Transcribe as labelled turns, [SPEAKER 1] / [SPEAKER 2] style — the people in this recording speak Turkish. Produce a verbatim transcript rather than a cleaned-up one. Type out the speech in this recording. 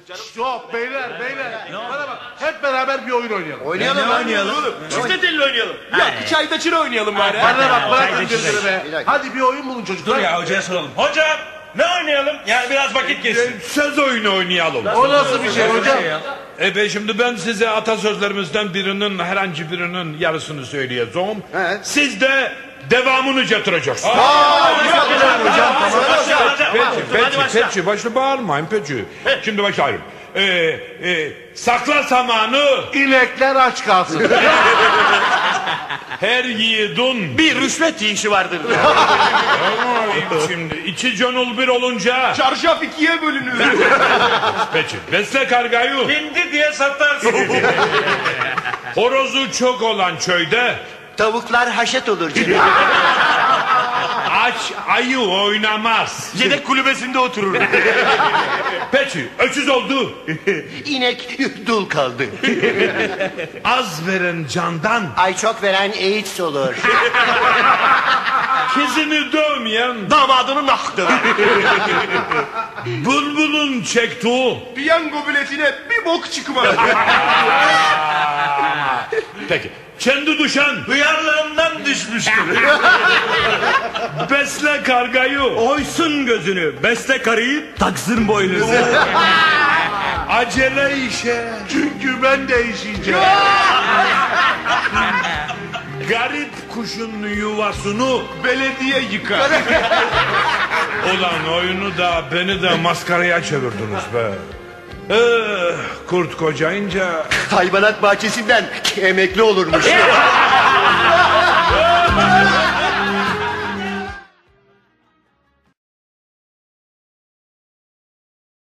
[SPEAKER 1] Yok beyler beyler. Bana bak hep beraber bir oyun oynayalım.
[SPEAKER 2] Oynayalım
[SPEAKER 3] ne oynayalım?
[SPEAKER 2] Çifte telli oynayalım. Yok çayda çıra oynayalım bari.
[SPEAKER 1] Bana bak bırakın gözünü be. Hadi bir oyun bulun çocuklar.
[SPEAKER 3] Dur ya hocaya soralım. Hocam ne oynayalım? Yani biraz vakit geçsin.
[SPEAKER 4] Söz oyunu oynayalım.
[SPEAKER 1] O nasıl bir şey hocam?
[SPEAKER 4] E be şimdi ben size atasözlerimizden birinin herhangi birinin yarısını söyleyeceğim.
[SPEAKER 2] Evet.
[SPEAKER 4] Siz de devamını getireceksiniz. Peki, peki, peki, başla bağırmayın peki. Şimdi başlayalım. Ee, e, sakla samanı,
[SPEAKER 1] İnekler aç kalsın.
[SPEAKER 4] her yiğidin.
[SPEAKER 2] Bir rüşvet yiyişi vardır.
[SPEAKER 4] Ama şimdi iki gönül bir olunca.
[SPEAKER 2] Çarşaf ikiye bölünür.
[SPEAKER 4] Peki, besle kargayı.
[SPEAKER 3] Hindi diye satarsın.
[SPEAKER 4] Horozu çok olan köyde.
[SPEAKER 2] Tavuklar haşet olur.
[SPEAKER 4] Aç ayı oynamaz.
[SPEAKER 2] Yedek kulübesinde oturur.
[SPEAKER 4] Peki, öküz oldu.
[SPEAKER 2] İnek dul kaldı.
[SPEAKER 4] Az veren candan.
[SPEAKER 2] Ay çok veren AIDS olur.
[SPEAKER 4] Kızını dövmeyen.
[SPEAKER 2] Damadının aktı.
[SPEAKER 4] Bulbulun çektiği.
[SPEAKER 2] Piyango biletine bir bok çıkmaz.
[SPEAKER 4] Peki, kendi düşen.
[SPEAKER 3] Hıyarlığından düşmüştür.
[SPEAKER 4] Besle kargayı.
[SPEAKER 3] Oysun gözünü. Besle karıyı taksın boynuzu.
[SPEAKER 4] Acele işe.
[SPEAKER 1] Çünkü ben değişeceğim.
[SPEAKER 4] Garip kuşun yuvasını
[SPEAKER 2] Belediye yıkar.
[SPEAKER 4] olan oyunu da beni de maskaraya çevirdiniz be. Eh, kurt kocayınca.
[SPEAKER 2] Hayvanat bahçesinden emekli olurmuş.